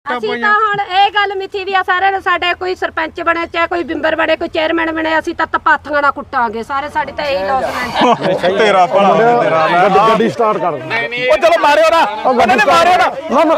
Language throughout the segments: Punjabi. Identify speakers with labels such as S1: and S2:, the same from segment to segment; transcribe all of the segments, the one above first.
S1: ਅਸੀਂ ਤਾਂ ਹੁਣ ਇਹ ਗੱਲ ਮਿੱਥੀ ਵੀ ਆ ਸਾਰਿਆਂ ਨੂੰ ਸਾਡੇ ਕੋਈ ਸਰਪੰਚ ਬਣੇ ਚਾਹੇ ਕੋਈ ਬਿੰਬਰ ਬਣੇ ਕੋਈ ਚੇਅਰਮੈਨ ਬਣੇ ਅਸੀਂ ਤਾਂ ਤਪਾਥੀਆਂ ਨਾਲ ਕੁੱਟਾਂਗੇ ਸਾਰੇ ਸਾਡੀ ਤਾਂ ਇਹੀ ਲੌਸਮੈਂਟ
S2: ਤੇਰਾ ਭਲਾ ਤੇਰਾ
S3: ਗੱਡੀ ਸਟਾਰਟ ਕਰ
S2: ਉਹ ਚਲੋ ਮਾਰਿਓ ਨਾ ਉਹਨਾਂ ਨੇ ਮਾਰਿਓ ਨਾ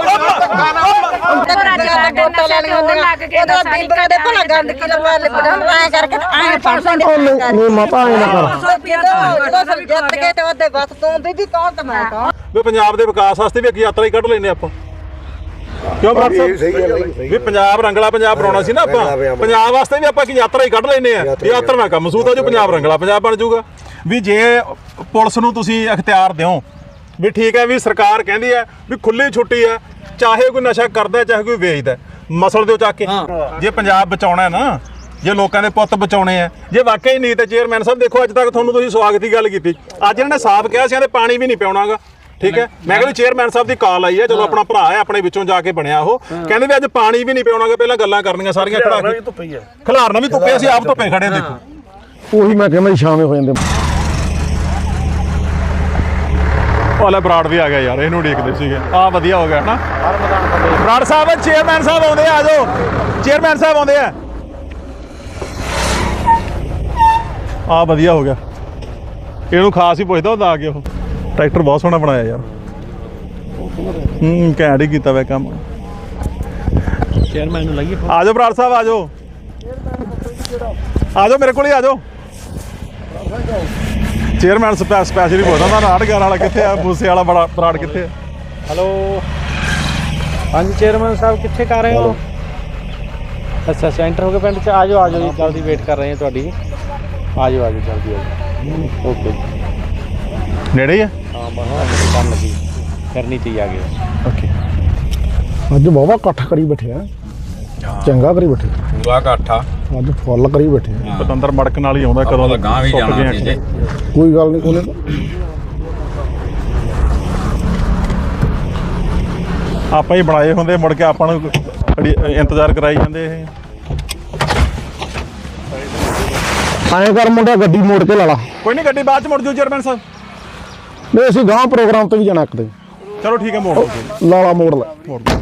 S4: ਬਿੰਬਰਾਂ ਦੇ ਭਲਾ ਗੰਦ ਕਿਲੋ ਵਾਲੇ ਬਣਾ ਐ ਕਰਕੇ ਐ ਫੜਸਾਂ ਦੇ
S3: ਨਹੀਂ ਮਾਤਾ ਐ ਨਾ ਕਰ
S4: ਜਦੋਂ ਸਭ ਜਿੱਤ ਗਏ ਤੇ ਉਹਦੇ ਬਸ ਤੂੰ ਬੀਬੀ ਕੌਣ ਤੇ ਮੈਂ ਕੌਣ
S2: ਵੀ ਪੰਜਾਬ ਦੇ ਵਿਕਾਸ ਵਾਸਤੇ ਵੀ ਇੱਕ ਯਾਤਰਾ ਹੀ ਕੱਢ ਲੈਨੇ ਆਪਾਂ ਕਿਉਂ ਬਰਾੜ ਸਾਹਿਬ ਵੀ ਪੰਜਾਬ ਰੰਗਲਾ ਪੰਜਾਬ ਬਣਾਉਣਾ ਸੀ ਨਾ ਆਪਾਂ ਪੰਜਾਬ ਵਾਸਤੇ ਵੀ ਆਪਾਂ ਇੱਕ ਯਾਤਰਾ ਹੀ ਕੱਢ ਲੈਨੇ ਆ ਯਾਤਰਾ ਨਾਲ ਕੰਮ ਸੂਤ ਆ ਜੋ ਪੰਜਾਬ ਰੰਗਲਾ ਪੰਜਾਬ ਬਣ ਜਾਊਗਾ ਵੀ ਜੇ ਪੁਲਿਸ ਨੂੰ ਤੁਸੀਂ ਅਖਤਿਆਰ ਦਿਓ ਵੀ ਠੀਕ ਹੈ ਵੀ ਸਰਕਾਰ ਕਹਿੰਦੀ ਹੈ ਵੀ ਖੁੱਲੀ ਛੁੱਟੀ ਹੈ ਚਾਹੇ ਕੋਈ ਨਸ਼ਾ ਕਰਦਾ ਚਾਹੇ ਕੋਈ ਵੇਚਦਾ ਮਸਲ ਦਿਓ ਚੱਕ ਕੇ ਜੇ ਪੰਜਾਬ ਬਚਾਉਣਾ ਹੈ ਨਾ ਜੇ ਲੋਕਾਂ ਦੇ ਪੁੱਤ ਬਚਾਉਣੇ ਆ ਜੇ ਵਾਕਈ ਨਹੀਂ ਤੇ ਚੇਅਰਮੈਨ ਸਾਹਿਬ ਦੇਖੋ ਅੱਜ ਤੱਕ ਤੁਹਾਨੂੰ ਤੁਸੀਂ ਸਵਾਗਤ ਦੀ ਗੱਲ ਕੀਤੀ ਅੱਜ ਇਹਨਾਂ ਨੇ ਸਾਫ਼ ਕਿਹਾ ਸੀ ਤੇ ਪਾਣੀ ਵੀ ਨਹੀਂ ਪਿਆਉਣਾਗਾ ਠੀਕ ਹੈ ਮੈਂ ਕਹਿੰਦਾ ਚੇਅਰਮੈਨ ਸਾਹਿਬ ਦੀ ਕਾਲ ਆਈ ਹੈ ਚਲੋ ਆਪਣਾ ਭਰਾ ਹੈ ਆਪਣੇ ਵਿੱਚੋਂ ਜਾ ਕੇ ਬਣਿਆ ਉਹ ਕਹਿੰਦੇ ਵੀ ਅੱਜ ਪਾਣੀ ਵੀ ਨਹੀਂ ਪਿਆਉਣਾਗਾ ਪਹਿਲਾਂ ਗੱਲਾਂ ਕਰਨੀਆਂ ਸਾਰੀਆਂ ਖੜਾ ਕੇ ਖਿਲਾਰਨਾ ਵੀ ਧੁੱਪੇ ਅਸੀਂ ਆਪ ਧੁੱਪੇ ਖੜੇ ਦੇਖੋ
S3: ਉਹੀ ਮੈਂ ਕਹਿੰਦਾ ਸ਼ਾਮੇ ਹੋ ਜਾਂਦੇ
S2: ਵਾਲਾ ਬਰਾੜ ਵੀ ਆ ਗਿਆ ਯਾਰ ਇਹਨੂੰ ਉਡੀਕਦੇ ਸੀਗੇ ਆ ਵਧੀਆ ਹੋ ਗਿਆ ਨਾ ਬਰਾੜ ਸਾਹਿਬ ਚੇਅਰਮੈਨ ਸਾਹਿਬ ਆਉਂਦੇ ਆ ਜਾਓ ਚੇਅਰਮੈਨ ਸਾਹਿਬ ਆਉਂਦੇ ਆ ਆ ਵਧੀਆ ਹੋ ਗਿਆ ਇਹਨੂੰ ਖਾਸ ਹੀ ਪੁੱਛਦਾ ਹੁੰਦਾ ਆ ਕੇ ਉਹ ਟਰੈਕਟਰ ਬਹੁਤ ਸੋਹਣਾ ਬਣਾਇਆ ਯਾਰ ਘੈਂਟ ਹੀ ਕੀਤਾ ਵੇ ਕੰਮ
S5: ਚੇਅਰਮੈਨ ਨੂੰ ਲੱਗੀ
S2: ਆ ਜਾਓ ਬਰਾੜ ਸਾਹਿਬ ਆ ਜਾਓ ਆ ਜਾਓ ਮੇਰੇ ਕੋਲ ਹੀ ਆ ਜਾਓ ਚੇਅਰਮੈਨ ਸਪੈਸ਼ਲੀ ਪੁੱਛਦਾ ਨਾ 811 ਵਾਲਾ ਕਿੱਥੇ ਆ ਮੂਸੇ ਵਾਲਾ ਬੜਾ ਬਰਾੜ ਕਿੱਥੇ ਆ
S5: ਹੈਲੋ ਹਾਂਜੀ ਚੇਅਰਮੈਨ ਸਾਹਿਬ ਕਿੱਥੇ ਕਰ ਰਹੇ ਹੋ ਅੱਛਾ ਸੈਂਟਰ ਹੋ ਕੇ ਪਿੰਡ ਚ ਆ ਜਾਓ ਜੀ ਜਲਦੀ ਵੇਟ ਕਰ ਰਹੇ ਹਾਂ ਤੁਹਾਡੀ ਆ ਜਾਓ ਜਲਦੀ ਓਕੇ
S2: ਨੇੜੇ ਹੀ ਆ
S5: ਹਾਂ ਬਸ ਕੰਮ ਲੱਗੀ ਕਰਨੀ ਚਾਹੀਏ ਆ ਗਏ
S2: ਓਕੇ
S3: ਅੱਜ ਬਾਬਾ ਇਕੱਠ ਕਰੀ ਬੈਠੇ ਆ ਚੰਗਾ ਕਰੀ ਬੈਠੇ
S6: ਪੂਰਾ ਇਕੱਠਾ
S3: ਅੱਜ ਫੁੱਲ ਕਰੀ ਬੈਠੇ
S2: ਪਤੰਦਰ ਮੜਕ ਨਾਲ ਹੀ ਆਉਂਦਾ ਕਦੋਂ
S6: ਗਾਂ ਵੀ ਜਾਣਾ ਸੀ
S3: ਕੋਈ ਗੱਲ ਨਹੀਂ ਉਹਨੇ
S2: ਆਪਾਂ ਹੀ ਬਣਾਏ ਹੁੰਦੇ ਮੁੜ ਕੇ ਆਪਾਂ ਨੂੰ ਇੰਤਜ਼ਾਰ ਕਰਾਈ ਜਾਂਦੇ ਇਹ
S3: ਐਂ ਕਰ ਮੁੰਡਾ ਗੱਡੀ ਮੋੜ ਕੇ ਲਾ ਲਾ
S2: ਕੋਈ ਨਹੀਂ ਗੱਡੀ ਬਾਅਦ ਚ ਮੁੜ ਜੂ ਚੇਅਰਮੈਨ ਸਾਹਿਬ
S3: ਨਹੀਂ ਅਸੀਂ ਗਾਂ ਪ੍ਰੋਗਰਾਮ ਤੇ ਵੀ ਜਾਣਾ ਇੱਕ ਦਿਨ
S2: ਚਲੋ ਠੀਕ ਹੈ ਮੋੜ ਦਿਓ
S3: ਲਾਲਾ ਮੋੜ ਲੈ
S2: ਮੋੜ ਦਿਓ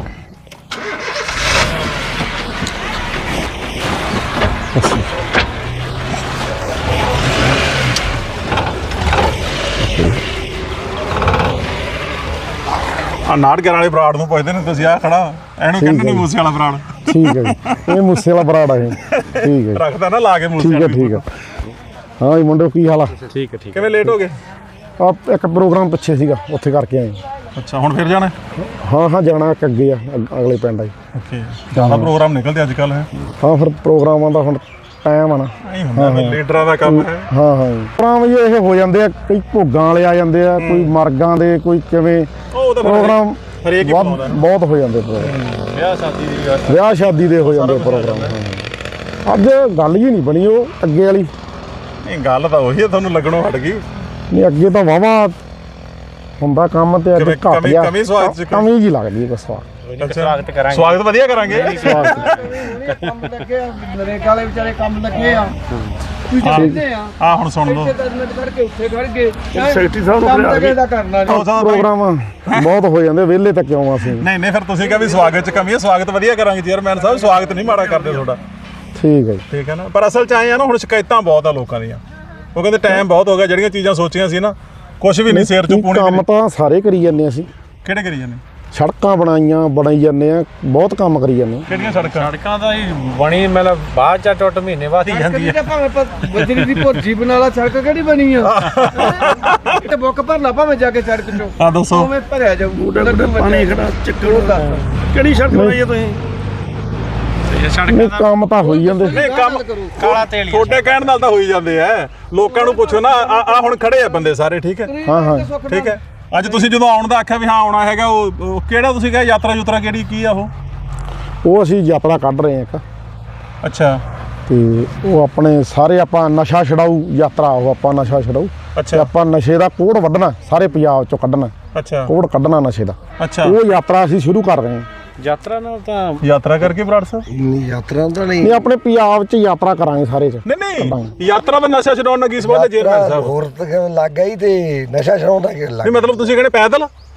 S2: ਆ 811 ਵਾਲੇ ਬਰਾੜ ਨੂੰ ਪੁੱਛਦੇ ਨੇ ਤੁਸੀਂ ਆ ਖੜਾ ਇਹਨੂੰ ਕਹਿੰਦੇ ਨੇ ਮੂਸੇ ਵਾਲਾ ਬਰਾੜ
S3: ਠੀਕ ਹੈ ਜੀ ਇਹ ਮੂਸੇ ਵਾਲਾ ਬਰਾੜ ਆ ਇਹ ਠੀਕ ਹੈ
S2: ਰੱਖਦਾ ਨਾ ਲਾ ਕੇ ਮੂਸੇ
S3: ਠੀਕ ਹੈ ਠੀਕ ਹੈ ਹਾਂ ਜੀ ਮੁੰਡੋ ਕੀ ਹਾਲ ਆ
S5: ਠੀਕ ਹੈ
S2: ਕਿਵੇਂ ਲੇਟ ਹੋ ਗਏ
S3: ਆ ਇੱਕ ਪ੍ਰੋਗਰਾਮ ਪਿੱਛੇ ਸੀਗਾ ਉੱਥੇ ਕਰਕੇ ਆਏ
S2: ਅੱਛਾ ਹੁਣ ਫਿਰ ਜਾਣਾ
S3: ਹਾਂ ਜਾਣਾ ਇੱਕ ਅੱਗੇ ਆ ਅਗਲੇ ਪਿੰਡ ਆ ਜੀ
S2: ਓਕੇ ਜ਼ਿਆਦਾ ਪ੍ਰੋਗਰਾਮ ਨਿਕਲਦੇ ਅੱਜ ਕੱਲ ਹੈ
S3: ਹਾਂ ਫਿਰ ਪ੍ਰੋਗਰਾਮਾਂ ਦਾ ਹੁਣ ਟਾਈਮ ਆ ਨਾ
S2: ਨਹੀਂ ਹੁੰਦਾ ਲੀਡਰਾਂ ਦਾ ਕੰਮ ਹੈ
S3: ਹਾਂ ਪ੍ਰੋਗਰਾਮ ਇਹ ਹੋ ਜਾਂਦੇ ਆ ਕਈ ਭੋਗਾਂ ਵਾਲੇ ਆ ਜਾਂਦੇ ਆ ਕੋਈ ਮਰਗਾਂ ਦੇ ਕੋਈ ਕਿਵੇਂ
S2: ਉਹ ਤਾਂ
S3: ਪ੍ਰੋਗਰਾਮ
S2: ਹਰੇਕ ਹੀ ਬਣਾਉਂਦਾ
S3: ਬਹੁਤ ਹੋ ਜਾਂਦੇ ਪ੍ਰੋਗਰਾਮ
S2: ਵਿਆਹ ਸ਼ਾਦੀ ਦੀ ਗੱਲ
S3: ਵਿਆਹ ਸ਼ਾਦੀ ਦੇ ਹੋ ਜਾਂਦੇ ਪ੍ਰੋਗਰਾਮ ਅੱਜ ਗੱਲ ਹੀ ਨਹੀਂ ਬਣੀ ਉਹ ਅੱਗੇ ਵਾਲੀ
S2: ਨਹੀਂ ਗੱਲ ਤਾਂ ਉਹੀ ਹੈ ਤੁਹਾਨੂੰ ਲੱਗਣੋਂ ਹਟ ਗਈ
S3: ਨਹੀਂ ਅੱਗੇ ਤਾਂ ਵਾਵਾ ਹੁੰਦਾ ਕੰਮ ਤੇ ਅੱਜ ਘੱਟ ਗਿਆ
S2: ਕਮੀ ਸਵਾਗਤ ਚ
S3: ਕਮੀ ਜੀ ਲੱਗਦੀ ਹੈ ਬਸ
S5: ਸਵਾਗਤ ਕਰਾਂਗੇ
S2: ਸਵਾਗਤ ਵਧੀਆ ਕਰਾਂਗੇ
S7: ਕੰਮ ਲੱਗੇ ਆ ਨਰੇਗਾ ਵਾਲੇ ਵਿਚਾਰੇ ਕੰਮ ਲੱਗੇ ਆ ਤੁਸੀਂ ਜਾਣਦੇ ਆ
S2: ਆ ਹੁਣ ਸੁਣ ਲਓ
S7: 10 ਮਿੰਟ ਖੜ ਕੇ ਉੱਥੇ ਖੜ ਗਏ ਸੈਕਟਰੀ ਸਾਹਿਬ ਨੂੰ ਲੱਗੇ ਦਾ ਕਰਨਾ ਨਹੀਂ
S3: ਪ੍ਰੋਗਰਾਮ ਬਹੁਤ ਹੋ ਜਾਂਦੇ ਵਿਹਲੇ ਤੱਕ ਕਿਉਂ ਅਸੀਂ
S2: ਨਹੀਂ ਫਿਰ ਤੁਸੀਂ ਕਿਹਾ ਵੀ ਸਵਾਗਤ ਚ ਕਮੀ ਹੈ ਸਵਾਗਤ ਵਧੀਆ ਕਰਾਂਗੇ ਚੇਅਰਮੈਨ ਸਾਹਿਬ ਸਵਾਗਤ ਨਹੀਂ ਮਾੜਾ ਕਰਦੇ ਤੁਹਾਡਾ
S3: ਠੀਕ ਹੈ ਜੀ
S2: ਠੀਕ ਹੈ ਨਾ ਪਰ ਅਸਲ ਚ ਆਏ ਆ ਨਾ ਹੁਣ ਸ਼ਿਕਾਇਤਾਂ ਬਹੁਤ ਆ ਲੋਕਾਂ ਦੀਆਂ ਉਹ ਕਹਿੰਦੇ ਟਾਈਮ ਬਹੁਤ ਹੋ ਗਿਆ ਜਿਹੜੀਆਂ ਚੀਜ਼ਾਂ ਸੋਚੀਆਂ ਸੀ ਨਾ ਕੁਝ ਵੀ ਨਹੀਂ ਸਿਰ ਚੋਂ ਪੂਣੀ
S3: ਕੰਮ ਤਾਂ ਸਾਰੇ ਕਰੀ ਜਾਂਦੇ ਅਸੀਂ
S2: ਕਿਹੜੇ ਕਰੀ ਜਾਂਦੇ
S3: ਸੜਕਾਂ ਬਣਾਈ ਜਾਂਦੇ ਆ ਬਹੁਤ ਕੰਮ ਕਰੀ ਜਾਂਦੇ ਆ
S2: ਕਿਹੜੀਆਂ ਸੜਕਾਂ
S5: ਸੜਕਾਂ ਦਾ ਹੀ ਬਣੀ ਮਤਲਬ ਬਾਅਦ ਚ ਟੁੱਟ ਮਹੀਨੇ ਬਾਅਦ ਹੀ ਜਾਂਦੀ ਹੈ
S7: ਭਾਵੇਂ ਬਜਰੀ ਦੀ ਭੁਰਜੀ ਬਣਾ ਲਾ ਸੜਕ ਕਿਹੜੀ ਬਣੀ ਆ ਤੇ ਬੁੱਕ ਭਰ ਲਾ ਭਾਵੇਂ ਜਾ ਕੇ ਸੜਕ ਚੋਂ
S2: ਆ ਦੱਸੋ
S7: ਉਵੇਂ ਭਰਿਆ ਜਾਊ
S5: ਪਾਣੀ ਖੜਾ ਚੱਕਰ ਕਿਹੜੀ ਸੜਕ ਬਣਾਈ ਹੈ ਤੁਸੀਂ
S3: ਨਹੀਂ ਕੰਮ ਤਾਂ ਹੋਈ ਜਾਂਦੇ
S2: ਨਹੀਂ ਕੰਮ
S5: ਕਾਲਾ ਤੇਲ
S2: ਤੁਹਾਡੇ ਕਹਿਣ ਨਾਲ ਤਾਂ ਹੋਈ ਜਾਂਦੇ ਆ ਲੋਕਾਂ ਨੂੰ ਪੁੱਛੋ ਨਾ ਆ ਹੁਣ ਖੜੇ ਆ ਬੰਦੇ ਸਾਰੇ ਠੀਕ ਹੈ
S3: ਹਾਂ
S2: ਠੀਕ ਹੈ ਅੱਜ ਤੁਸੀਂ ਜਦੋਂ ਆਉਣ ਦਾ ਆਖਿਆ ਵੀ ਹਾਂ ਆਉਣਾ ਹੈਗਾ ਉਹ ਕਿਹੜਾ ਤੁਸੀਂ ਕਿਹਾ ਯਾਤਰਾ ਕਿਹੜੀ ਕੀ ਆ
S3: ਉਹ ਅਸੀਂ ਯਾਤਰਾ ਕੱਢ ਰਹੇ ਆ ਇੱਕ
S2: ਅੱਛਾ
S3: ਤੇ ਉਹ ਆਪਣੇ ਸਾਰੇ ਆਪਾਂ ਨਸ਼ਾ ਛਡਾਊ ਯਾਤਰਾ ਉਹ ਆਪਾਂ ਨਸ਼ਾ ਛਡਾਊ ਤੇ ਆਪਾਂ ਨਸ਼ੇ ਦਾ ਕੋੜ ਵੱਢਣਾ ਸਾਰੇ ਪੰਜਾਬ ਚੋਂ ਕੱਢਣਾ
S2: ਅੱਛਾ
S3: ਕੋੜ ਕੱਢਣਾ ਨਸ਼ੇ ਦਾ
S2: ਅੱਛਾ
S3: ਉਹ ਯਾਤਰਾ ਅਸੀਂ ਸ਼ੁਰੂ ਕਰ ਰਹੇ ਹਾਂ
S5: ਯਾਤਰਾ ਨਾਲ ਤਾਂ
S2: ਯਾਤਰਾ ਕਰਕੇ ਬਰਾੜ ਸਾਹਿਬ
S7: ਯਾਤਰਾ ਤਾਂ
S3: ਨਹੀਂ ਆਪਣੇ ਪੰਜਾਬ 'ਚ ਯਾਤਰਾ ਕਰਾਂਗੇ ਸਾਰੇ 'ਚ
S2: ਨਹੀਂ ਯਾਤਰਾ ਦਾ ਨਸ਼ਾ ਛਡਾਉਣ ਨਾਲ ਕੀ ਸਬੰਧ ਹੈ ਚੇਅਰਮੈਨ ਸਾਹਿਬ
S7: ਹੋਰ ਤਾਂ ਲੱਗ ਗਈ ਤੇ ਨਸ਼ਾ ਛਡਾਉਂਦਾ ਕਿ
S2: ਨਹੀਂ ਮਤਲਬ ਤੁਸੀਂ ਕਹਿੰਦੇ ਪੈਦਲ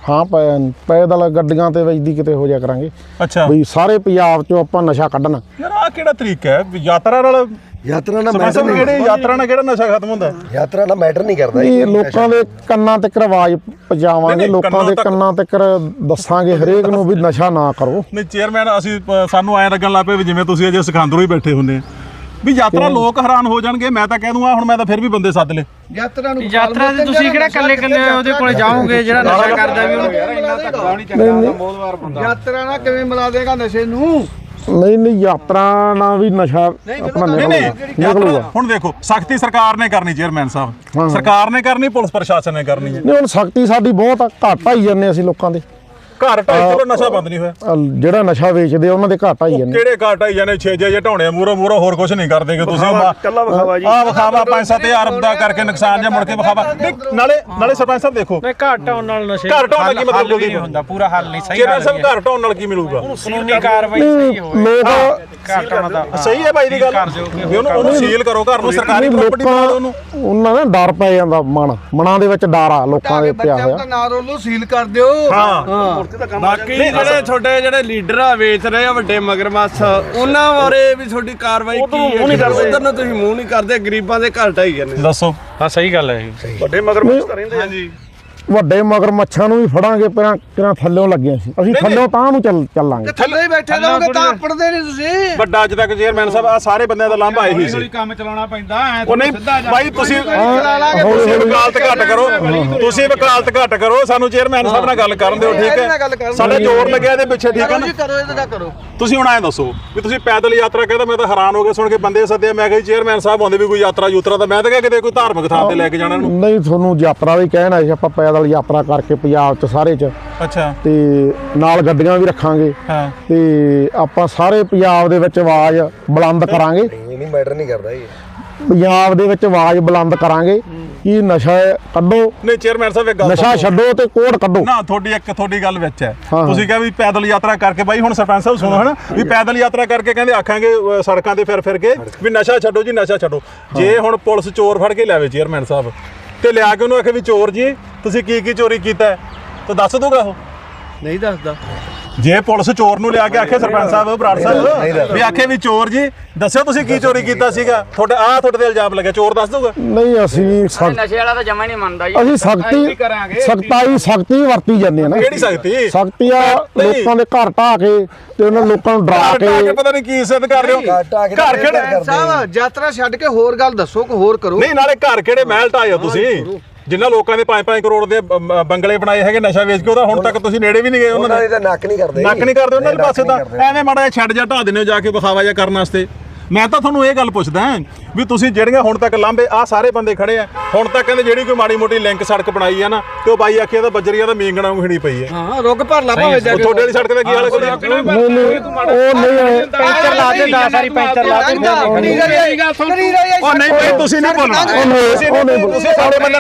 S3: ਹਾਂ ਪੈਦਲ ਗੱਡੀਆਂ ਤੇ ਵੱਜਦੀ ਕਿਤੇ ਹੋ ਜਾ ਕਰਾਂਗੇ
S2: ਅੱਛਾ
S3: ਵੀ ਸਾਰੇ ਪੰਜਾਬ ਚੋਂ ਆਪਾਂ ਨਸ਼ਾ ਕੱਢਣਾ।
S2: ਯਾਰ ਆਹ ਕਿਹੜਾ ਤਰੀਕਾ ਹੈ ਵੀ ਯਾਤਰਾ ਨਾਲ
S6: ਯਾਤਰਾ ਨਾਲ
S2: ਸਰਪੰਚ ਸਾਹਿਬ ਕਿਹੜੇ ਯਾਤਰਾ ਨਾਲ ਕਿਹੜਾ ਨਸ਼ਾ ਖਤਮ ਹੁੰਦਾ?
S6: ਯਾਤਰਾ ਨਾਲ ਮੈਟਰ ਨਹੀਂ ਕਰਦਾ
S3: ਇਹ ਲੋਕਾਂ ਦੇ ਕੰਨਾਂ ਤੱਕ ਆਵਾਜ਼ ਪਹੁੰਚਾਵਾਂਗੇ, ਲੋਕਾਂ ਦੇ ਕੰਨਾਂ ਤੱਕ ਦੱਸਾਂਗੇ ਹਰੇਕ ਨੂੰ ਵੀ ਨਸ਼ਾ ਨਾ ਕਰੋ।
S2: ਨਹੀਂ ਚੇਅਰਮੈਨ ਅਸੀਂ ਸਾਨੂੰ ਐਂ ਲੱਗਣ ਲੱਗ ਪਏ ਵੀ ਜਿਵੇਂ ਤੁਸੀਂ ਅਜੇ ਸਿਖਾਂਦਰੋਂ ਹੀ ਬੈਠੇ ਹੁੰਦੇ ਆ ਵੀ ਯਾਤਰਾ ਲੋਕ ਹੈਰਾਨ ਹੋ ਜਾਣਗੇ। ਮੈਂ ਤਾਂ ਕਹਿ ਦੂੰਗਾ ਹੁਣ ਮੈਂ ਤਾਂ ਫਿਰ ਵੀ ਬੰਦੇ ਸੱਦ ਲਏ
S7: ਯਾਤਰਾ ਨੂੰ
S5: ਯਾਤਰਾ ਤੇ ਤੁਸੀਂ ਕਿਹੜਾ ਕੱਲੇ ਉਹਦੇ ਕੋਲ ਜਾਓਗੇ ਜਿਹੜਾ ਨਸ਼ਾ ਕਰਦਾ ਵੀ ਉਹਨੂੰ ਯਾਰ ਇੰਨਾ ਧੱਕਾ ਨਹੀਂ ਚੱਲਦਾ ਬਹੁਤ ਬੰਦਾ।
S7: ਯਾਤਰਾ ਨਾਲ ਕਿਵੇਂ ਮਿਲਾ ਦੇਗਾ ਨਸ਼ੇ ਨੂੰ?
S3: ਨਹੀਂ ਯਾਤਰਾ ਨਾਲ ਵੀ ਨਸ਼ਾ ਆਪਣਾ ਨਿਕਲੂਗਾ।
S2: ਹੁਣ ਦੇਖੋ ਸਖਤੀ ਸਰਕਾਰ ਨੇ ਕਰਨੀ ਚੇਅਰਮੈਨ ਸਾਹਿਬ, ਸਰਕਾਰ ਨੇ ਕਰਨੀ, ਪੁਲਿਸ ਪ੍ਰਸ਼ਾਸਨ ਨੇ ਕਰਨੀ ਹੈ।
S3: ਨਹੀਂ ਹੁਣ ਸਖਤੀ ਸਾਡੀ ਬਹੁਤ ਆ, ਘੱਟ ਆਈ ਜਾਂਦੇ ਅਸੀਂ ਲੋਕਾਂ ਦੇ
S2: ਘਰ ਢਾਈ ਚਲੋ ਨਸ਼ਾ ਬੰਦ ਨਹੀਂ ਹੋਇਆ।
S3: ਜਿਹੜਾ ਨਸ਼ਾ ਵੇਚਦੇ ਉਹਨਾਂ ਦੇ ਘੱਟ ਆਈ ਜਾਂਦੇ।
S2: ਕਿਹੜੇ ਘਰ ਢਾਈ ਜਾਣੇ 6 ਜੇ ਢਾਉਣੇ ਮੂਹਰੋਂ ਹੋਰ ਕੁਝ ਨਹੀਂ ਕਰਦੇ ਕਿ ਤੁਸੀਂ
S6: ਕੱਲਾ ਵਿਖਾਵਾ ਜੀ
S2: ਆਹ ਵਿਖਾਵਾ 5-7 ਦਾ ਕਰਕੇ ਨੁਕਸਾਨ ਜਾਂ ਮੁੜ ਕੇ ਵਿਖਾਵਾ। ਨਾਲੇ ਸਰਪੰਚ ਸਾਹਿਬ ਦੇਖੋ
S5: ਨਹੀਂ ਘਰ ਢਾਉਣ ਨਾਲ ਨਸ਼ੇ
S2: ਘਰ ਢਾਉਣ ਨਾਲ ਕੀ ਮਤਲਬ
S5: ਨਹੀਂ ਹੁੰਦਾ, ਪੂਰਾ ਹੱਲ ਨਹੀਂ ਸਹੀ
S2: ਚੇਅਰਮੈਨ ਸਾਹਿਬ ਘਰ ਢਾਉਣ ਨਾਲ ਕੀ ਮਿਲੂਗਾ?
S5: ਕਾਨੂੰਨੀ ਕਾਰਵਾਈ ਸਹੀ ਹੋਵੇ
S3: ਲੋਕ
S5: ਘਰ ਢਾਉਣ ਦਾ
S2: ਸਹੀ ਹੈ ਬਾਈ ਦੀ ਗੱਲ ਵੀ ਉਹਨੂੰ ਸੀਲ ਕਰੋ ਘਰ ਨੂੰ, ਸਰਕਾਰੀ ਪ੍ਰਾਪਰਟੀ ਬਣਾ ਦਿਓ ਉਹਨੂੰ।
S3: ਉਹਨਾਂ ਦਾ ਡਰ ਪੈ ਜਾਂਦਾ ਮਨਾਂ ਦੇ ਵਿੱਚ ਡਰ ਆ ਲੋਕਾਂ ਦੇ ਪਿਆ
S7: ਬੱਚਿਆਂ
S3: ਹੋਇਆ।
S7: ਦਾ ਨਾਂ ਰੋਲੋ ਸੀਲ ਕਰ ਦਿਓ।
S2: ਹਾਂ
S8: ਬਾਕੀ ਜਿਹੜੇ ਤੁਹਾਡੇ ਜਿਹੜੇ ਲੀਡਰ ਆ ਵੇਚ ਰਹੇ ਆ ਵੱਡੇ ਮਗਰਮੱਛ, ਉਹਨਾਂ ਬਾਰੇ ਵੀ ਤੁਹਾਡੀ ਕਾਰਵਾਈ ਕੀ ਹੈ? ਉਧਰ ਨੂੰ ਤੁਸੀਂ ਮੂੰਹ ਨਹੀਂ ਕਰਦੇ, ਗਰੀਬਾਂ ਦੇ ਘਰ ਢਾਈ ਜਾਂਦੇ।
S2: ਦੱਸੋ।
S5: ਹਾਂ ਸਹੀ ਗੱਲ ਹੈ ਇਹ।
S6: ਵੱਡੇ ਮਗਰਮੱਛ ਤਾਂ ਰਹਿੰਦੇ
S8: ਹਾਂਜੀ
S3: ਵੱਡੇ ਮਗਰਮੱਛਾਂ ਨੂੰ ਵੀ ਫੜਾਂਗੇ, ਪਹਿਲਾਂ ਥੱਲਿਓਂ ਲੱਗੇ ਅਸੀਂ ਥੱਲਿਓਂ ਤਾਂ ਨੂੰ ਚੱਲਾਂਗੇ।
S7: ਥੱਲੇ ਹੀ ਬੈਠੇ ਰਹੋਗੇ ਤਾਂ ਪੜਦੇ ਨਹੀਂ ਤੁਸੀਂ।
S2: ਵੱਡਾ ਅੱਜ ਤੱਕ ਚੇਅਰਮੈਨ ਸਾਹਿਬ ਆ ਸਾਰੇ ਬੰਦਿਆਂ ਦਾ ਲਾਂਭਾ ਇਹੀ ਸੀ।
S5: ਕੰਮ ਚਲਾਉਣਾ ਪੈਂਦਾ
S2: ਉਹ ਨਹੀਂ ਬਾਈ ਤੁਸੀਂ ਵਕਾਲਤ ਘੱਟ ਕਰੋ, ਤੁਸੀਂ ਵਕਾਲਤ ਘੱਟ ਕਰੋ, ਸਾਨੂੰ ਚੇਅਰਮੈਨ ਸਾਹਿਬ ਨਾਲ ਗੱਲ ਕਰਨ ਦਿਓ ਠੀਕ ਹੈ। ਸਾਡਾ ਜ਼ੋਰ ਲੱਗਿਆ ਇਹਦੇ ਪਿੱਛੇ ਠੀਕ ਹੈ ਨਾ।
S7: ਕਰੋ ਇਹਦਾ ਕਰੋ।
S2: ਤੁਸੀਂ ਹੁਣ ਐਂ ਦੱਸੋ ਵੀ ਤੁਸੀਂ ਪੈਦਲ ਯਾਤਰਾ ਕਹਿੰਦਾ, ਮੈਂ ਤਾਂ ਹੈਰਾਨ ਹੋ ਗਿਆ ਸੁਣ ਕੇ ਬੰਦੇ ਸੱਦੇ। ਮੈਂ ਕਿਹਾ ਚੇਅਰਮੈਨ ਸਾਹਿਬ ਆਉਂਦੇ ਵੀ ਕੋਈ ਯਾਤਰਾ ਤਾਂ ਮੈਂ ਤਾਂ ਕਿਹਾ ਕਿਤੇ ਕੋਈ ਧਾਰਮਿਕ ਥਾਂ ਤੇ ਲੈ ਕੇ ਜਾਣਾ ਇਹਨੂੰ।
S3: ਨਹੀਂ ਤੁਹਾਨੂੰ ਯਾਤਰਾ ਵੀ ਕਹਿਣਾ ਸੀ, ਆਪਾਂ ਪੈਦਲ ਯਾਤਰਾ ਕਰਕੇ ਪੰਜਾਬ ਚ ਸਾਰੇ ਚ
S2: ਅੱਛਾ
S3: ਤੇ ਨਾਲ ਗੱਡੀਆਂ ਵੀ ਰੱਖਾਂਗੇ
S2: ਹਾਂ
S3: ਤੇ ਆਪਾਂ ਸਾਰੇ ਪੰਜਾਬ ਦੇ ਵਿੱਚ ਆਵਾਜ਼ ਬੁਲੰਦ ਕਰਾਂਗੇ।
S6: ਇਹ ਨਹੀਂ ਮੈਟਰ ਨਹੀਂ ਕਰਦਾ ਇਹ।
S3: ਪੰਜਾਬ ਦੇ ਵਿੱਚ ਆਵਾਜ਼ ਬੁਲੰਦ ਕਰਾਂਗੇ ਕਿ ਨਸ਼ਾ ਕੱਢੋ,
S2: ਨਹੀਂ ਚੇਅਰਮੈਨ ਸਾਹਿਬ ਇੱਕ ਗੱਲ
S3: ਨਸ਼ਾ ਛੱਡੋ ਤੇ ਕੋੜ ਕੱਢੋ।
S2: ਨਾ ਤੁਹਾਡੀ ਗੱਲ ਵਿੱਚ ਹੈ।
S3: ਹਾਂ।
S2: ਤੁਸੀਂ ਕਿਹਾ ਵੀ ਪੈਦਲ ਯਾਤਰਾ ਕਰਕੇ ਬਾਈ ਹੁਣ ਸਰਪੰਚ ਸਾਹਿਬ ਸੁਣੋ ਹਨਾ ਵੀ ਪੈਦਲ ਯਾਤਰਾ ਕਰਕੇ ਕਹਿੰਦੇ ਆਖਾਂਗੇ ਸੜਕਾਂ ਤੇ ਫਿਰ ਕੇ ਵੀ ਨਸ਼ਾ ਛੱਡੋ ਜੀ ਨਸ਼ਾ ਛੱਡੋ। ਜੇ ਹੁਣ ਪੁਲਿਸ ਚੋਰ ਫੜ ਕੇ ਲਿਆਵੇ ਚੇਅਰਮੈਨ ਸਾਹਿਬ ਤੇ ਲਿਆ ਕੇ ਉਹਨੂੰ ਆਖੇ ਵੀ ਚੋਰ ਜੀ ਤੁਸੀਂ ਕੀ ਚੋਰੀ ਕੀਤਾ ਤਾਂ ਦੱਸ ਦੂਗਾ ਉਹ?
S7: ਨਹੀਂ ਦੱਸਦਾ।
S2: ਜੇ ਪੁਲਿਸ ਚੋਰ ਨੂੰ ਲਿਆ ਕੇ ਆਖੇ ਸਰਪੰਚ ਸਾਹਿਬ ਬਰਾੜ ਸਾਹਿਬ ਵੀ ਆਖੇ ਵੀ ਚੋਰ ਜੀ ਦੱਸਿਓ ਤੁਸੀਂ ਕੀ ਚੋਰੀ ਕੀਤਾ ਸੀਗਾ, ਤੁਹਾਡੇ ਤੇ ਇਲਜ਼ਾਮ ਲੱਗਿਆ, ਚੋਰ ਦੱਸ ਦੂਗਾ?
S3: ਨਹੀਂ ਅਸੀਂ
S8: ਨਸ਼ੇ ਵਾਲਾ ਤਾਂ ਜਮਾ ਨਹੀਂ ਮੰਨਦਾ ਜੀ।
S3: ਅਸੀਂ ਸਖਤੀ ਵਰਤੀ ਜਾਂਦੇ ਆ ਨਾ।
S2: ਕਿਹੜੀ ਸਖਤੀ?
S3: ਸਖਤੀ ਆ ਲੋਕਾਂ ਦੇ ਘਰ ਢਾਹ ਕੇ ਤੇ ਉਹਨਾਂ ਲੋਕਾਂ ਨੂੰ ਡਰਾ ਕੇ
S2: ਪਤਾ ਨਹੀਂ ਕੀ ਇੱਜ਼ਤ ਕਰ ਰਹੇ ਹੋ। ਘਰ ਕਿਹੜੇ
S7: ਸਾਹਿਬ ਯਾਤਰਾ ਛੱਡ ਕੇ ਹੋਰ ਗੱਲ ਦੱਸੋ ਕਿ ਹੋਰ ਕਰੋ।
S2: ਨਹੀਂ ਨਾਲੇ ਘਰ ਕਿਹੜੇ ਮਹਿਲ ਢਾਏ ਹੋ ਤੁਸੀਂ? ਜਿੰਨਾ ਲੋਕਾਂ ਦੇ 5-5 ਕਰੋੜ ਦੇ ਬੰਗਲੇ ਬਣਾਏ ਹੈਗੇ ਨਸ਼ਾ ਵੇਚ ਕੇ, ਉਹਦਾ ਹੁਣ ਤੱਕ ਤੁਸੀਂ ਨੇੜੇ ਵੀ ਨਹੀਂ ਗਏ ਉਹਨਾਂ ਦੇ।
S6: ਤਾਂ ਨੱਕ ਨਹੀਂ ਕਰਦੇ
S2: ਉਹਨਾਂ ਦੇ ਪਾਸੇ ਤਾਂ ਐਵੇਂ ਮਾੜਾ ਜਿਹਾ ਛੱਡ ਜਾ ਢਾ ਦਿੰਦੇ ਹੋ ਜਾ ਕੇ ਵਿਖਾਵਾ ਜਿਹਾ ਕਰਨ ਵਾਸਤੇ। ਮੈਂ ਤਾਂ ਤੁਹਾਨੂੰ ਇਹ ਗੱਲ ਪੁੱਛਦਾ ਵੀ ਤੁਸੀਂ ਜਿਹੜੀਆਂ ਹੁਣ ਤੱਕ ਲਾਂਭੇ ਆ ਸਾਰੇ ਬੰਦੇ ਖੜੇ ਆ ਹੁਣ ਤੱਕ ਕਹਿੰਦੇ ਜਿਹੜੀ ਕੋਈ ਮਾੜੀ ਮੋਟੀ ਲਿੰਕ ਸੜਕ ਬਣਾਈ ਆ ਨਾ ਤੇ ਉਹ ਬਾਈ ਆਖਿਆ ਤਾਂ ਬੱਜਰੀਆਂ ਦਾ ਮੀਂਗਣਾ ਹਿਣੀ ਪਈ ਹੈ।
S7: ਹਾਂ ਰੁੱਗ ਭਰ ਲਾ ਭਾਵੇਂ ਜਾ ਕੇ।
S2: ਤੁਹਾਡੇ ਵਾਲੀ ਸੜਕ ਦਾ ਕੀ ਹਾਲ ਹੈ?
S3: ਨਹੀਂ ਉਹ ਨਹੀਂ
S5: ਪੈਂਚਰ ਲਾ ਦੇ 10 ਵਾਰੀ ਪੈਂਚਰ ਲਾ ਦੇ।
S2: ਉਹ ਨਹੀਂ ਭਾਈ ਤੁਸੀਂ ਨਹੀਂ ਬੋਲਣਾ, ਤੁਸੀਂ ਸਾਰੇ ਬੰਦਿਆਂ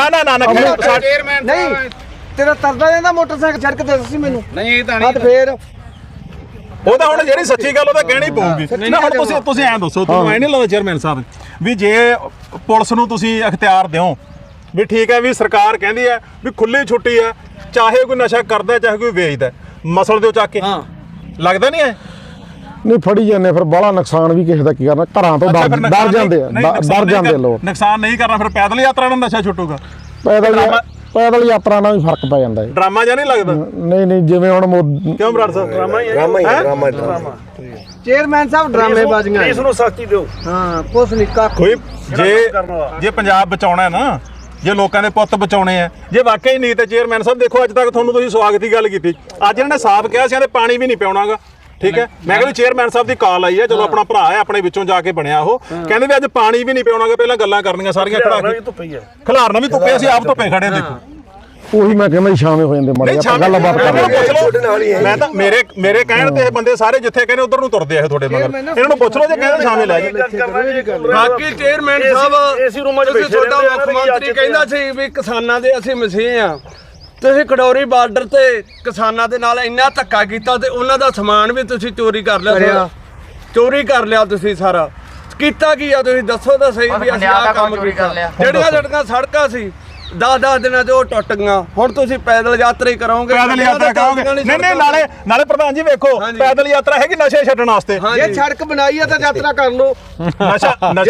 S2: ਨੇ
S7: ਨਹੀਂ ਤੇਰਾ ਤਰਦਾ ਜਾਂਦਾ ਮੋਟਰਸਾਈਕਲ ਸੜਕ ਤੇ ਦੱਸੀ ਮੈਨੂੰ।
S8: ਨਹੀਂ ਇਹ ਤਾਂ
S7: ਹੱਥ ਫੇਰ
S2: ਉਹ ਤਾਂ ਹੁਣ ਜਿਹੜੀ ਸੱਚੀ ਗੱਲ ਉਹ ਤਾਂ ਕਹਿਣੀ ਪਊਗੀ ਨਾ। ਹੁਣ ਤੁਸੀਂ ਐਂ ਦੱਸੋ, ਤੁਹਾਨੂੰ ਐ ਨਹੀਂ ਲੱਗਦਾ ਚੇਅਰਮੈਨ ਸਾਹਿਬ ਵੀ ਜੇ ਪੁਲਿਸ ਨੂੰ ਤੁਸੀਂ ਅਖਤਿਆਰ ਦਿਓ ਵੀ ਠੀਕ ਹੈ ਵੀ ਸਰਕਾਰ ਕਹਿੰਦੀ ਹੈ ਵੀ ਖੁੱਲੀ ਛੁੱਟੀ ਹੈ, ਚਾਹੇ ਕੋਈ ਨਸ਼ਾ ਕਰਦਾ ਚਾਹੇ ਕੋਈ ਵੇਚਦਾ, ਮਸਲ ਦਿਓ ਚੱਕ ਕੇ, ਲੱਗਦਾ ਨਹੀਂ ਐ?
S3: ਨਹੀਂ ਫੜੀ ਜਾਂਦੇ ਫਿਰ ਬਾਹਲਾ ਨੁਕਸਾਨ ਵੀ ਕਿਸੇ ਦਾ ਕੀ ਕਰਨਾ, ਘਰਾਂ ਤੋਂ ਡਰ ਜਾਂਦੇ ਆ, ਡਰ ਜਾਂਦੇ ਲੋਕ।
S2: ਨੁਕਸਾਨ ਨਹੀਂ ਕਰਨਾ ਫਿਰ ਪੈਦਲ ਯਾਤਰਾ ਨਾਲ ਨਸ਼ਾ ਛੁੱਟੂਗਾ?
S3: ਪੈਦਲ ਯਾਤਰਾ ਨਾਲ ਵੀ ਫਰਕ ਪੈ ਜਾਂਦਾ ਹੈ।
S2: ਡਰਾਮਾ ਜਾਂ ਨਹੀਂ ਲੱਗਦਾ?
S3: ਨਹੀਂ ਜਿਵੇਂ ਹੁਣ
S2: ਕਿਉਂ ਬਰਾੜ ਸਾਹਿਬ?
S6: ਡਰਾਮਾ
S7: ਚੇਅਰਮੈਨ ਸਾਹਿਬ ਡਰਾਮੇ ਬਾਜ਼ੀਆਂ
S6: ਇਸ ਨੂੰ ਸਖਤੀ ਦਿਓ।
S7: ਹਾਂ ਕੁਛ ਨਹੀਂ ਕੱਖ।
S2: ਕੋਈ ਜੇ ਪੰਜਾਬ ਬਚਾਉਣਾ ਹੈ ਨਾ, ਜੇ ਲੋਕਾਂ ਦੇ ਪੁੱਤ ਬਚਾਉਣੇ ਆ, ਜੇ ਵਾਕਈ ਨਹੀਂ ਤੇ ਚੇਅਰਮੈਨ ਸਾਹਿਬ ਦੇਖੋ ਅੱਜ ਤੱਕ ਤੁਹਾਨੂੰ ਤੁਸੀਂ ਸਵਾਗਤ ਦੀ ਗੱਲ ਕੀਤੀ, ਅੱਜ ਇਹਨਾਂ ਨੇ ਸਾਫ਼ ਕਿਹਾ ਸੀ ਤੇ ਪਾਣੀ ਵੀ ਨਹੀਂ ਪਿਆਉਣਾਗਾ। ਠੀਕ ਹੈ, ਮੈਂ ਕਹਿੰਦਾ ਚੇਅਰਮੈਨ ਸਾਹਿਬ ਦੀ ਕਾਲ ਆਈ ਹੈ, ਚਲੋ ਆਪਣਾ ਭਰਾ ਹੈ, ਆਪਣੇ ਵਿੱਚੋਂ ਜਾ ਕੇ ਬਣਿਆ ਉਹ, ਕਹਿੰਦੇ ਵੀ ਅੱਜ ਪਾਣੀ ਵੀ ਨਹੀਂ ਪਿਆਉਣਾਗਾ, ਪਹਿਲਾਂ ਗੱਲਾਂ ਕਰਨੀਆਂ ਸਾਰੀਆਂ ਖੜਾ ਕੇ ਖਿਲਾਰਨਾ ਵੀ ਧੁੱਪੇ, ਅਸੀਂ ਆਪ ਧੁੱਪੇ ਖੜੇ ਦੇਖੋ।
S3: ਉਹੀ ਮੈਂ ਕਹਿੰਦਾ ਸ਼ਾਮੇ ਹੋ ਜਾਂਦੇ ਮਾੜੇ ਆਪਾਂ ਗੱਲਬਾਤ ਕਰਦੇ।
S2: ਮੈਂ ਤਾਂ ਮੇਰੇ ਕਹਿਣ ਤੇ ਇਹ ਬੰਦੇ ਸਾਰੇ ਜਿੱਥੇ ਕਹਿੰਦੇ ਉਧਰ ਨੂੰ ਤੁਰਦੇ ਆ ਤੁਹਾਡੇ ਮਗਰ, ਇਹਨਾਂ ਨੂੰ ਪੁੱਛ ਲਓ ਜੇ ਕਹਿੰਦੇ ਸ਼ਾਮੇ ਲੈ ਜਾ।
S8: ਬਾਕੀ ਚੇਅਰਮੈਨ ਸਾਹਿਬ ਤੁਸੀਂ ਤੁਹਾਡਾ ਮੁੱਖ ਮੰਤਰੀ ਕਹਿੰਦਾ ਸੀ ਵੀ ਕਿਸਾਨਾਂ ਦੇ ਅਸੀਂ ਮਸੀਹ ਆ, ਤੁਸੀਂ ਖਡੌਰੀ ਬਾਰਡਰ ਤੇ ਕਿਸਾਨਾਂ ਦੇ ਨਾਲ ਇੰਨਾ ਧੱਕਾ ਕੀਤਾ ਤੇ ਉਹਨਾਂ ਦਾ ਸਮਾਨ ਵੀ ਤੁਸੀਂ ਚੋਰੀ ਕਰ ਲਿਆ। ਚੋਰੀ ਕਰ ਲਿਆ ਤੁਸੀਂ ਸਾਰਾ ਕੀਤਾ ਕੀ ਆ? ਤੁਸੀਂ ਦੱਸੋ ਤਾਂ ਸਹੀ ਵੀ ਅਸੀਂ ਆਹ ਕੰਮ ਕੀਤਾ। ਜਿਹੜੀਆਂ ਸੜਕਾਂ ਸੀ 10 ਦਿਨਾਂ 'ਚ ਉਹ ਟੁੱਟ ਗਈਆਂ। ਹੁਣ ਤੁਸੀਂ ਪੈਦਲ ਯਾਤਰਾ ਹੀ ਕਰੋਗੇ,
S2: ਪੈਦਲ ਯਾਤਰਾ ਕਰਾਓਗੇ? ਨਹੀਂ ਨਾਲੇ ਪ੍ਰਧਾਨ ਜੀ ਵੇਖੋ, ਪੈਦਲ ਯਾਤਰਾ ਹੈਗੀ ਨਸ਼ੇ ਛੱਡਣ ਵਾਸਤੇ।
S7: ਜੇ ਸੜਕ ਬਣਾਈ ਆ ਤਾਂ ਯਾਤਰਾ ਕਰ ਲਓ।
S2: ਨਸ਼ਾ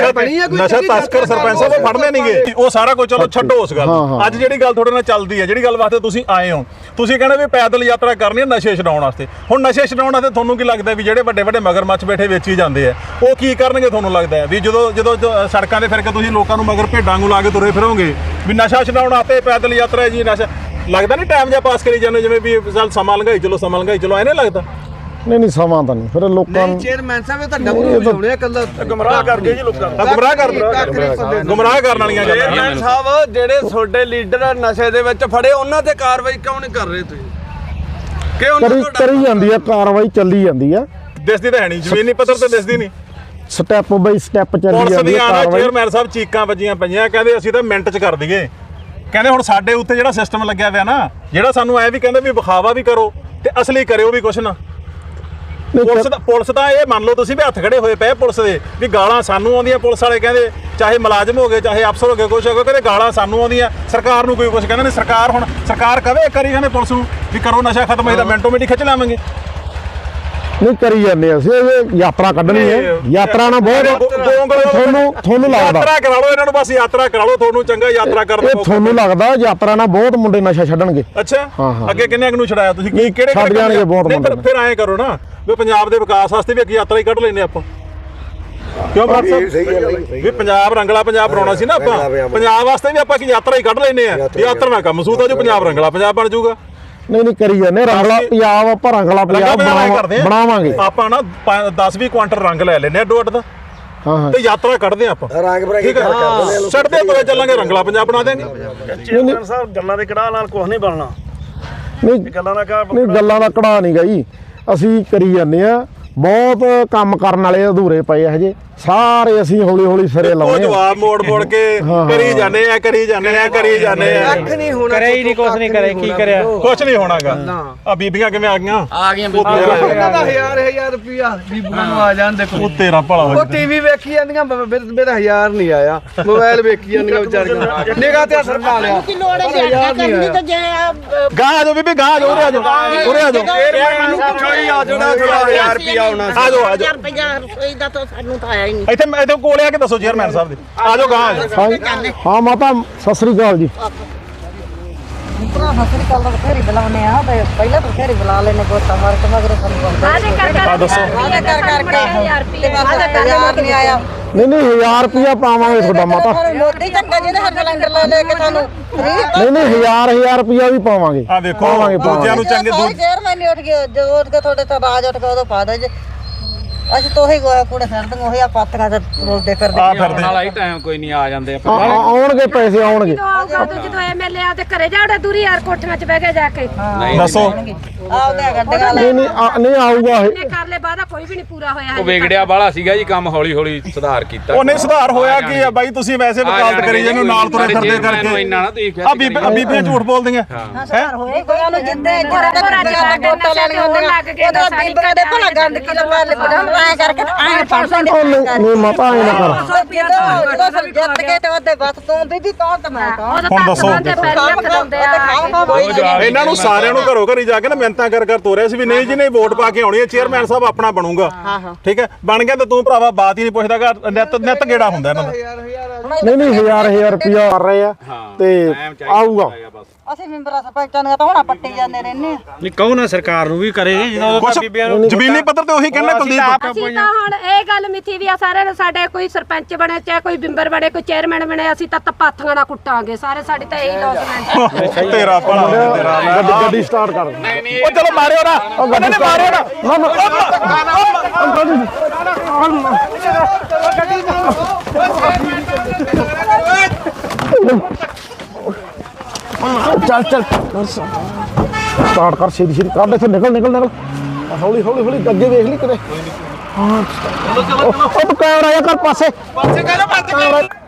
S2: ਤਸਕਰ ਸਰਪੰਚ ਸਾਹਿਬ ਉਹ ਫੜਨੇ ਨਹੀਂਗੇ। ਉਹ ਸਾਰਾ ਕੁਝ ਚਲੋ ਛੱਡੋ ਉਸ ਗੱਲ। ਅੱਜ ਜਿਹੜੀ ਗੱਲ ਤੁਹਾਡੇ ਨਾਲ ਚੱਲਦੀ ਹੈ, ਜਿਹੜੀ ਗੱਲ ਵਾਸਤੇ ਤੁਸੀਂ ਆਏ ਹੋ, ਤੁਸੀਂ ਕਹਿੰਦੇ ਵੀ ਪੈਦਲ ਯਾਤਰਾ ਕਰਨੀ ਹੈ ਨਸ਼ੇ ਛਡਾਉਣ ਵਾਸਤੇ। ਹੁਣ ਨਸ਼ੇ ਛਡਾਉਣ ਵਾਸਤੇ ਤੁਹਾਨੂੰ ਕੀ ਲੱਗਦਾ ਵੀ ਜਿਹੜੇ ਵੱਡੇ ਵੱਡੇ ਮਗਰਮੱਛ ਬੈਠੇ ਵੇਚੀ ਜਾਂਦੇ ਆ, ਉਹ ਕੀ ਕਰਨਗੇ? ਤੁਹਾਨੂੰ ਲੱਗਦਾ ਹੈ ਵੀ ਜਦੋਂ ਸੜਕਾਂ ਤੇ ਫਿਰ ਕੇ ਤੁਸੀਂ ਲੋਕਾਂ ਨੂੰ ਮਗਰ ਭੇਡਾਂ ਨੂੰ ਲਾ ਕੇ ਤੁਰੇ ਫਿਰੋਗੇ ਵੀ ਨਸ਼ਾ ਛਡਾਉਣ ਵਾਸਤੇ ਪੈਦਲ ਯਾਤਰਾ ਹੈ ਜੀ? ਨਸ਼ਾ ਲੱਗਦਾ ਨਹੀਂ ਟਾਈਮ ਜਿਹਾ ਪਾਸ ਕਰੀ ਜਾਂਦੇ ਜਿਵੇਂ ਵੀ ਚੱਲ ਸਮਾਂ ਲੰਘਾਈ ਚਲੋ ਐ ਨਹੀਂ ਲੱਗਦਾ?
S3: ਨਹੀਂ ਸਮਾਂ ਤਾਂ ਨਹੀਂ, ਫਿਰ ਲੋਕਾਂ ਨੂੰ
S7: ਚੇਅਰਮੈਨ ਸਾਹਿਬ ਇਹ ਤਾਂ ਡਬਲ ਵਿਛਾਉਣੇ ਆ, ਕੱਲਾ
S2: ਗੁੰਮਰਾਹ ਕਰਕੇ ਜੀ ਲੋਕਾਂ ਨੂੰ ਗੁੰਮਰਾਹ ਕਰਨ ਵਾਲੀਆਂ ਗੱਲਾਂ।
S8: ਚੇਅਰਮੈਨ ਸਾਹਿਬ ਜਿਹੜੇ ਤੁਹਾਡੇ ਲੀਡਰ ਨਸ਼ੇ ਦੇ ਵਿੱਚ ਫੜੇ, ਉਹਨਾਂ ਤੇ ਕਾਰਵਾਈ ਕਿਉਂ ਨਹੀਂ ਕਰ ਰਹੇ ਤੁਸੀਂ? ਕਿ ਉਹਨਾਂ ਨੂੰ
S3: ਕਰੀ ਜਾਂਦੀ ਆ ਕਾਰਵਾਈ, ਚੱਲੀ ਜਾਂਦੀ ਆ।
S2: ਦਿਸਦੀ ਤਾਂ ਹੈ ਨਹੀਂ, ਜ਼ਮੀਨੀ ਪੱਧਰ ਤੇ ਦਿਸਦੀ ਨਹੀਂ।
S3: ਸਟੈਪ ਬਾਈ ਸਟੈਪ ਚੱਲੀ
S2: ਪੁਲਿਸ
S3: ਜਾਂਦੀ ਆ
S2: ਦੀਆਂ
S3: ਕਾਰਵਾਈ।
S2: ਚੇਅਰਮੈਨ ਸਾਹਿਬ ਚੀਕਾਂ ਵੱਜੀਆਂ ਪਈਆਂ, ਕਹਿੰਦੇ ਅਸੀਂ ਤਾਂ ਮਿੰਟ 'ਚ ਕਰ ਦਈਏ। ਕਹਿੰਦੇ ਹੁਣ ਸਾਡੇ ਉੱਤੇ ਜਿਹੜਾ ਸਿਸਟਮ ਲੱਗਿਆ ਹੋਇਆ ਨਾ, ਜਿਹੜਾ ਸਾਨੂੰ ਐ ਵੀ ਕਹਿੰਦੇ ਵੀ ਵਿਖਾਵਾ ਵੀ ਕਰੋ ਤੇ ਅਸਲੀ ਕਰਿਓ ਵੀ ਕੁਛ ਨਾ। ਪੁਲਿਸ ਤਾਂ ਇਹ ਮੰਨ ਲਓ ਤੁਸੀਂ ਵੀ ਹੱਥ ਖੜੇ ਹੋਏ ਪਏ ਪੁਲਿਸ ਦੇ, ਵੀ ਗਾਲਾਂ ਸਾਨੂੰ ਆਉਂਦੀਆਂ। ਪੁਲਿਸ ਵਾਲੇ ਕਹਿੰਦੇ ਚਾਹੇ ਮੁਲਾਜ਼ਮ ਹੋ ਗਏ ਚਾਹੇ ਅਫਸਰ ਹੋ ਗਏ ਕੁਛ ਹੋ ਗਿਆ, ਕਹਿੰਦੇ ਗਾਲਾਂ ਸਾਨੂੰ ਆਉਂਦੀਆਂ। ਸਰਕਾਰ ਨੂੰ ਕੋਈ ਕੁਛ ਕਹਿੰਦੇ ਨਹੀਂ। ਸਰਕਾਰ ਕਵੇ ਕਰੀ ਜਾਂਦੇ ਪੁਲਿਸ ਨੂੰ ਵੀ ਕਰੋ ਨਸ਼ਾ ਖਤਮ, ਅਸੀਂ ਤਾਂ ਮਿੰਟੋ ਮਿੰਟ ਖਿੱਚ ਲਾਵਾਂਗੇ।
S3: ਨਹੀਂ ਕਰੀ ਜਾਂਦੇ ਅਸੀਂ, ਇਹ ਯਾਤਰਾ ਕੱਢਣੀ ਹੈ। ਯਾਤਰਾ ਨਾਲ ਬਹੁਤ ਤੁਹਾਨੂੰ ਲੱਗਦਾ
S2: ਯਾਤਰਾ ਕਰਾ ਲਓ ਇਹਨਾਂ ਨੂੰ, ਬਸ ਯਾਤਰਾ ਕਰਾ ਲਓ, ਤੁਹਾਨੂੰ ਚੰਗਾ ਯਾਤਰਾ ਕਰਨ
S3: ਇਹ ਤੁਹਾਨੂੰ ਲੱਗਦਾ ਯਾਤਰਾ ਨਾਲ ਬਹੁਤ ਮੁੰਡੇ ਨਸ਼ਾ ਛੱਡਣਗੇ?
S2: ਅੱਛਾ,
S3: ਹਾਂ।
S2: ਅੱਗੇ ਕਿੰਨੇ ਨੂੰ ਛਡਾਇਆ ਤੁਸੀਂ? ਕਿਹੜੇ
S3: ਛੱਡ ਜਾਣਗੇ ਬਹੁਤ ਮੁੰਡੇ।
S2: ਫਿਰ ਐਂ ਕਰੋ ਨਾ ਵੀ ਪੰਜਾਬ ਦੇ ਵਿਕਾਸ ਵਾਸਤੇ ਵੀ ਇੱਕ ਯਾਤਰਾ ਹੀ ਕੱਢ ਲੈਨੇ ਆਪਾਂ। ਕਿਉਂ ਬਰਾੜ ਸਾਹਿਬ ਵੀ ਪੰਜਾਬ ਰੰਗਲਾ ਪੰਜਾਬ ਬਣਾਉਣਾ ਸੀ ਨਾ ਆਪਾਂ, ਪੰਜਾਬ ਵਾਸਤੇ ਵੀ ਆਪਾਂ ਇੱਕ ਯਾਤਰਾ ਹੀ ਕੱਢ ਲੈਨੇ ਆ। ਯਾਤਰਾ ਨਾਲ ਕੰਮ ਸੂਤ ਆ ਜੋ ਪੰਜਾਬ ਰੰਗਲਾ ਪੰਜਾਬ ਬਣ ਜਾਊਗਾ।
S3: ਨਹੀਂ ਕਰੀ ਜਾਂਦੇ ਰੰਗਲਾ ਪੰਜਾਬ, ਆਪਾਂ ਰੰਗਲਾ ਪੰਜਾਬ ਬਣਾਵਾਂਗੇ।
S2: ਆਪਾਂ ਨਾ 10-20 ਕੁਆਂਟਲ ਰੰਗ ਲੈ ਲੈਨੇ ਆ ਅੱਡੋ ਅੱਡ ਦਾ,
S3: ਹਾਂ
S2: ਤੇ ਯਾਤਰਾ ਕੱਢਦੇ ਆਪਾਂ।
S6: ਰੰਗ ਬਰਾਕੀ ਕਰ ਕਰਦੇ ਨੇ,
S2: ਛੱਡਦੇ ਤੁਰੇ ਚੱਲਾਂਗੇ, ਰੰਗਲਾ ਪੰਜਾਬ ਬਣਾ ਦੇਾਂਗੇ।
S5: ਚੇਅਰਮੈਨ ਸਾਹਿਬ ਗੱਲਾਂ ਦੇ ਕੜਾਹ ਨਾਲ ਕੁਝ ਨਹੀਂ ਬਣਨਾ।
S3: ਨਹੀਂ
S5: ਗੱਲਾਂ ਦਾ
S3: ਗੱਲਾਂ ਦਾ ਕੜਾ ਨਹੀਂ ਗਈ, ਅਸੀਂ ਕਰੀ ਜਾਂਦੇ ਆ। ਬਹੁਤ ਕੰਮ ਕਰਨ ਵਾਲੇ ਅਧੂਰੇ ਪਏ ਹਜੇ, ਸਾਰੇ ਅਸੀਂ ਹੌਲੀ ਸਿਰੇ
S2: ਉਹ
S3: ਲਾਉਣੇ।
S2: ਜਵਾਬ ਮੋੜ ਕੇ ਕਰੀ ਜਾਂਦੇ ਆ।
S7: ਕੱਖ ਨਹੀਂ ਹੋਣਾ,
S5: ਕਰੇ ਹੀ ਨਹੀਂ, ਕੁਝ ਨਹੀਂ ਕਰੇ। ਕੀ ਕਰਿਆ?
S2: ਕੁਛ ਨਹੀਂ ਹੋਣਾਗਾ। ਆ ਬੀਬੀਆਂ ਕਿਵੇਂ ਆ ਗਈਆਂ?
S7: ਉਹਨਾਂ ਦਾ 1000 ਰੁਪਿਆ ਬੀਬੀਆਂ ਨੂੰ ਆ ਜਾਣ। ਦੇਖੋ
S2: ਉਹ ਤੇਰਾ ਭਲਾ ਹੋ
S7: ਉਹ ਟੀਵੀ ਵੇਖੀ ਜਾਂਦੀਆਂ, ਮੇਰਾ 1000 ਨਹੀਂ ਆਇਆ। ਮੋਬਾਈਲ ਵੇਖੀ ਜਾਂਦੀਆਂ ਵਿਚਾਰੀਆਂ, ਨਿਗਾਹ ਤੇ ਅਸਰ ਪਾ ਲਿਆ।
S4: ਕੀ ਲੋੜ ਹੈ ਯਾਰ ਕਰਨੀ ਤਾਂ ਜੇ
S2: ਗਾਂ ਆ ਜਾਓ ਬੀਬੀ, ਗਾਂ ਆ ਜਾਓ, ਉਰੇ ਆ ਜਾਓ।
S8: ਮੈਨੂੰ ਪੁੱਛੋ ਹੀ ਆ ਜਿਹੜਾ 1000 ਰੁਪਿਆ ਆਉਣਾ ਸੀ।
S2: ਆ ਜਾਓ
S4: ਰੁਪਿਆ ਰਸੋਈ ਦਾ ਤਾਂ ਸਾਨੂੰ ਤਾਂ ਆਇਆ ਹੀ ਨਹੀਂ।
S2: ਇੱਥੇ ਕੋਲੇ ਆ ਕੇ ਦੱਸੋ ਚੇਅਰਮੈਨ ਸਾਹਿਬ ਦੇ। ਆ ਜਾਓ, ਗਾਂ ਆ ਜਾਓ।
S3: ਹਾਂ ਮਾਤਾ ਸਤਿ ਸ੍ਰੀ ਅਕਾਲ ਜੀ।
S4: ਭਰਾ ਸਤਿ ਕੱਲ ਦਾ ਫੇਰੀ ਬੁਲਾਉਨੇ ਆ, ਤੇ ਪਹਿਲਾਂ ਤਾਂ ਫੇਰੀ ਬੁਲਾ ਲੈਨੇ ਗੋਤਾ ਮਾਰ ਕੇ ਮਗਰ ਸਾਨੂੰ
S1: ਆਦੇ ਕਰ
S2: ਦੱਸੋ।
S4: ਆਦੇ ਕਰ ਕਰਕੇ ਤੇ ਬਸ 1000 ਨਹੀਂ ਆਇਆ।
S3: ਨਹੀਂ 1000 ਰੁਪਇਆ ਪਾਵਾਂਗੇ ਤੁਹਾਡਾ ਮਾਤਾ।
S4: ਮੋਦੀ ਚੰਗਾ ਜਿਹਨੇ ਹਰ ਸਿਲੰਡਰ ਲੈ ਕੇ ਸਾਨੂੰ
S3: ਨਹੀਂ 1000 ਰੁਪਇਆ ਵੀ ਪਾਵਾਂਗੇ।
S2: ਆ ਵੇਖੋ ਦੂਜਿਆਂ ਨੂੰ ਚੰਗੇ
S4: ਚੇਅਰਮੈਨ ਨਹੀਂ ਉੱਠ ਗਿਆ, ਜਦੋਂ ਉੱਠ ਕੇ ਤੁਹਾਡੇ ਤਾਂ ਬਾਜ ਉੱਠ ਕੇ ਉਦੋਂ ਪਾ ਦੇ ਜੇ। ਅਸੀਂ ਤੋਂ ਹੀ ਗੋਇਆ ਕੂੜੇ ਫਿਰਦੇ ਉਹੀ ਆ ਪਾਤੀਆਂ ਤੇ ਰੋਲਦੇ ਫਿਰਦੇ।
S2: ਆ ਫਿਰਦੇ
S5: ਨਾਲ ਹੀ ਟਾਈਮ ਕੋਈ ਨਹੀਂ, ਆ ਜਾਂਦੇ
S3: ਆਉਣਗੇ ਪੈਸੇ ਆਉਣਗੇ।
S1: ਜਦੋਂ ਐਮਐਲਏ ਆ ਤੇ ਘਰੇ ਜਾੜੇ ਦੂਰੀ ਯਾਰ ਕੋਠੀਆਂ 'ਚ ਬਹਿ ਕੇ ਜਾ ਕੇ
S2: ਦੱਸੋ।
S4: ਆਪਦੇ ਗੱਡੀਆਂ
S3: ਨਹੀਂ ਆਊਗਾ ਇਹ।
S1: ਇਹਨੇ ਕਰ ਲੈ ਵਾਦਾ ਕੋਈ ਵੀ ਨਹੀਂ ਪੂਰਾ ਹੋਇਆ।
S5: ਉਹ ਵਿਗੜਿਆ ਬਾਲਾ ਸੀਗਾ ਜੀ, ਕੰਮ ਹੌਲੀ ਸੁਧਾਰ ਕੀਤਾ।
S2: ਉਹ ਨਹੀਂ ਸੁਧਾਰ ਹੋਇਆ ਕੀ ਆ ਬਾਈ? ਤੁਸੀਂ ਵੈਸੇ ਵਕਾਲਤ ਕਰੀ ਜਾਂਦੇ ਨਾਲ ਤੁਰੇ ਫਿਰਦੇ ਕਰਕੇ।
S5: ਇੰਨਾ ਨਾ ਤੁਸੀਂ
S2: ਆ ਬੀਬੀਆਂ ਝੂਠ ਬੋਲਦੀਆਂ ਹੈ।
S4: ਹੋਏ ਗੋਇਆ ਨੂੰ ਜਿੱਦੇ ਵੋਟਾਂ ਲੈਣੀਆਂ ਹੁੰਦੀਆਂ ਉਹਦਾ ਬੀਬੀਆਂ ਦੇ ਭਲਾ ਗੰਦ ਕੀ ਲਵਾ ਲੈ ਐ ਕਰਕੇ ਐ ਫੜਦੇ
S3: ਨਹੀਂ ਮਾਤਾ ਐ ਨਾ ਕਰ।
S4: ਜਦੋਂ ਸਭ ਜਿੱਤ ਕੇ ਤੇ ਉਹਦੇ ਬਸ ਤੂੰ ਬੀਬੀ ਕੌਣ ਤੇ ਮੈਂ ਕੌਣ।
S2: ਹੁਣ ਦੱਸੋ। ਇਹਨਾਂ ਨੂੰ ਸਾਰਿਆਂ ਨੂੰ ਘਰੋਂ ਘਰੀ ਜਾ ਕੇ ਨਾ ਮਿਹਨਤਾਂ ਕਰ ਤੋਰਿਆ ਸੀ ਵੀ ਨਹੀਂ ਜੀ ਨਹੀਂ ਵੋਟ ਪਾ ਕੇ ਆਉਣੀ ਹੈ, ਚੇਅਰਮੈਨ ਸਾਹਿਬ ਆਪਣਾ ਬਣੂਗਾ। ਠੀਕ ਹੈ, ਬਣ ਗਿਆ ਤੇ ਤੂੰ ਭਰਾਵਾ ਬਾਤ ਹੀ ਨਹੀਂ ਪੁੱਛਦਾਗਾ। ਨਿੱਤ ਗੇੜਾ ਹੁੰਦਾ ਇਹਨਾਂ ਦਾ।
S3: ਨਹੀਂ 1000 ਰੁਪਇਆ ਕਰ ਰਹੇ ਆ ਤੇ ਆਊਗਾ।
S4: ਅਸੀਂ ਮੈਂਬਰਾਂ ਸਰਪੰਚਾਂ ਦੀਆਂ ਤਾਂ ਹੁਣ ਪੱਟੀ ਜਾਂਦੇ ਰਹਿੰਦੇ ਆ।
S5: ਨਹੀਂ ਕਹੋ ਨਾ ਸਰਕਾਰ ਨੂੰ ਵੀ ਕਰੇ
S2: ਕੁਛ ਜ਼ਮੀਨੀ ਪੱਧਰ ਤੇ ਉਹੀ ਕਹਿੰਦੇ ਕੁਲਦੀਪ।
S1: ਅਸੀਂ ਤਾਂ ਹੁਣ ਇਹ ਗੱਲ ਮਿੱਥੀ ਵੀ ਆ ਸਾਰਿਆਂ ਨੂੰ, ਸਾਡੇ ਕੋਈ ਸਰਪੰਚ ਬਣੇ ਚਾਹੇ ਕੋਈ ਬਿੰਬਰ ਬਣੇ ਕੋਈ ਚੇਅਰਮੈਨ ਬਣੇ, ਅਸੀਂ ਤਾਂ ਪਾਥੀਆਂ ਨਾਲ ਕੁੱਟਾਂਗੇ ਸਾਰੇ। ਸਾਡੀ ਤਾਂ ਇਹੀ ਲੌਸਮੈਂਟ।
S2: ਤੇਰਾ ਭਲਾ ਹੋ ਤੇਰਾ।
S3: ਗੱਡੀ ਸਟਾਰਟ ਕਰ।
S2: ਉਹ ਚਲੋ ਮਾਰਿਓ ਨਾ, ਉਹਨਾਂ ਨੇ ਮਾਰਿਓ ਨਾ।
S3: ਚੱਲ ਸਟਾਰਟ ਕਰ, ਛੇਤੀ ਕੱਢ ਇੱਥੋਂ, ਨਿਕਲ ਹੌਲੀ ਅੱਗੇ ਵੇਖ ਲਈ ਕਿਤੇ। ਹਾਂ ਉਹ ਤੂੰ ਕੈਮਰਾ ਆ ਕਰ ਪਾਸੇ ਕਰ।